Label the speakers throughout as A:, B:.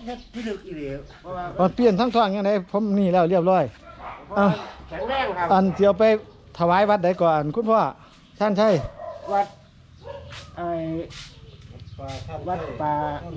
A: เฮ็ดที่ลึกอีหลีเพราะว่า
B: มันเปลี่ยนทั้งท้องยังไงผมนี่แล้วเรียบร้อย
A: แข็งแรงครับ
B: อันเดียวไปถวายวัดใดก่อนคุณพ่อท่านใช่
A: วัดไอ้วัดป่า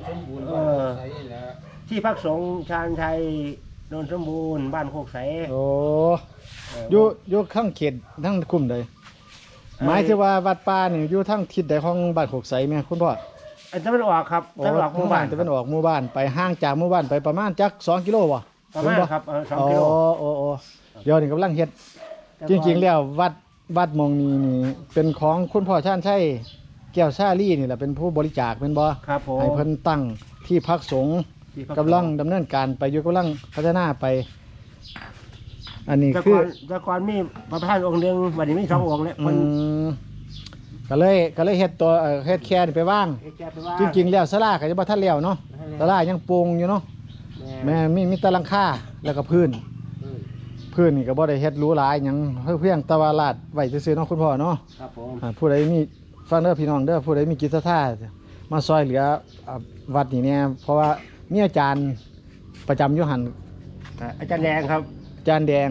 A: ที่พักสงฆ์ชาญชัยโนนสมบูรณ์บ้านโคกใส
B: โอ้อยู่ข้างเขตทั้งกลุ่มใดหมายถึงว่าวัดป่านี่อยู่ทั้งทิศใดของบ้านโคกใสไหมคุณพ่อ
A: อันจะเป็นออกครับจะเป็นออกหมู่บ้าน
B: จะเป็นออกหมู่บ้านไปห่างจากหมู่บ้านไปประมาณจัก2 กิโลวะ
A: ประมาณครับ2 กิโล
B: โอ้เดี๋ยวนี่กำลังเฮ็ดจริงๆแล้ววัดมองนี้นี่เป็นของคุณพ่อชาญชัยแก้วชาลี่นี่แหละเป็นผู้บริจาคเป็นบ่
A: ครับผม
B: ให้เพิ่นตั้งที่พักสงฆ์กำลังดำเนินการไปอยู่กำลังพัฒนาไปอันนี้คือ
A: แต่ก่อนมีพระประธานองค์นึงวันนี้มี2 องค์แล้ว
B: ก็เลยเฮ็ดตัวเฮ็ดแค่นี่ไปว่างจริงๆแล้วศาลาก็จะบ่ทันแล้วเนาะศาลายังปรุงอยู่เนาะแม่มีแต่หลังคาแล้วก็พื้นนี่ก็บ่ได้เฮ็ดหรูหราหยังเพียงแต่ว่าลาดไว้ซื่อๆเนาะคุณพ่อเนาะ
A: ครับผม
B: ผู้ใดมีฟังเด้อพี่น้องเด้อผู้ใดมีจิตศรัทธามาซอยเหลือวัดนี่เนี่ยเพราะว่ามีอาจารย์ประจำอยู่หั่น
A: อาจารย์แดงครับ
B: อาจารย์แดง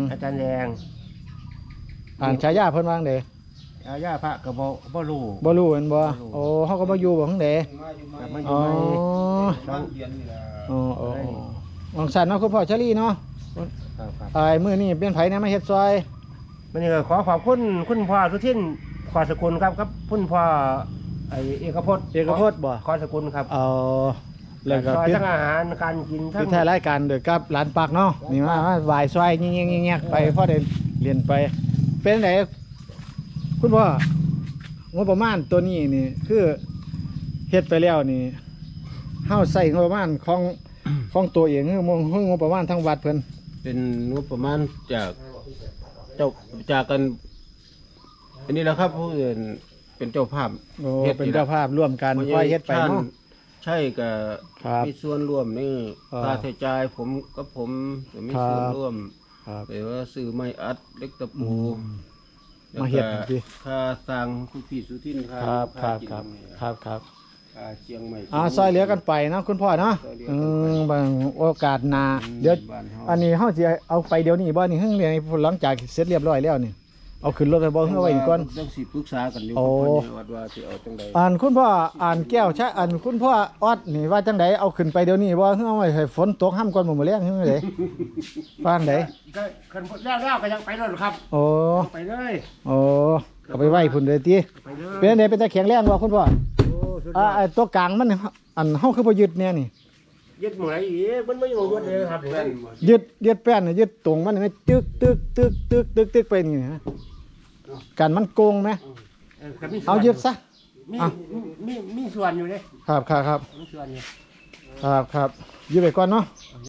B: ฉายาเพิ่นว่าจังได๋
A: ฉายาพระก็บ่รู้
B: แม่นบ่โอ้เฮาก็บ่อยู่บ่จังได๋อ๋อวังสันเนาะคุณพ่อชลีเนาะมื้อนี้เป็นไผเนี่ยมาเฮ็ดซอย
A: มื้อนี้ก็ขอขอบคุณคุณพ่อสุทินขอสกุลครับคุณพ่อไอ้เอกพจน์
B: บ่
A: ขอสกุลครับ
B: แล้วก็
A: ทั้งอาหารการกิน
B: ทั้งท้ายรายการโดยกับร้านปักเนาะนี่มาไหว้ซอยแงๆๆไปพอได้เรียนไปเป็นไดคุณพ่องบประมาณตัวนี้นี่คือเฮ็ดไปแล้วนี่เฮาใส่งบประมาณของตัวเองคืองบประมาณทั้งวัดเพิ่น
C: เป็นงบประมาณจากกันอันนี้แหละครับผู้อื่นเป็นเจ้าภาพ
B: เป็นเจ้าภาพร่วมกันค่อยเฮ็ดไปเนาะ
C: ใช่กับมีส่วนร่วมนี่ค่าใช้จ่ายผมมีส่วนร่วมหรือว่าซื้อไม้อัดเล็กตะปู
B: มาเฮ็ด
C: ค่าสร้างคุณพี่สุทิน
B: ครับ
C: เชียงใหม่
B: ซอยเหลือกันไปนะคุณพ่อเนาะบางโอกาสหน้าเดี๋ยวอันนี้เฮาสิเอาไปเดี๋ยวนี้บ่นี่เรียนหลังจากเสร็จเรียบร้อยแล้วนี่เอาขึ้นรถไปบ่เอาไว้นี่ก่อน
C: ต้องสิปรึกษากันอยู่ว่าสิเอาจังได๋
B: คุณพ่อแก้วใช่คุณพ่อออดนี่ว่าจังไดเอาขึ้นไปเดี๋ยวนี้บ่เอาไว้ให้ฝนตกห้ำก่อนมื้อแลงจังได๋ว่าจังได๋
A: ก็คันแล้วก็ยังไปรถครับไปเลย
B: เอาไปไว้พุ่นเลยติเป็นจังได๋เป็นตะแข็งแรงบ่คุณพ่อตัวกลางมันเฮาคือบ่ยึดแน่นี่
A: ยึดหมวยอีกมันไม่อยู่ยึดเลยครับ
B: ยึดแป้นยึดตรงมันนี่ตึกไปนี่ฮะกันมันโกงไหมเอายึดซะ
A: มีส่วนอยู่เลย
B: ครับมีส่วนอยู่ครับยึดไปก่อนเนาะ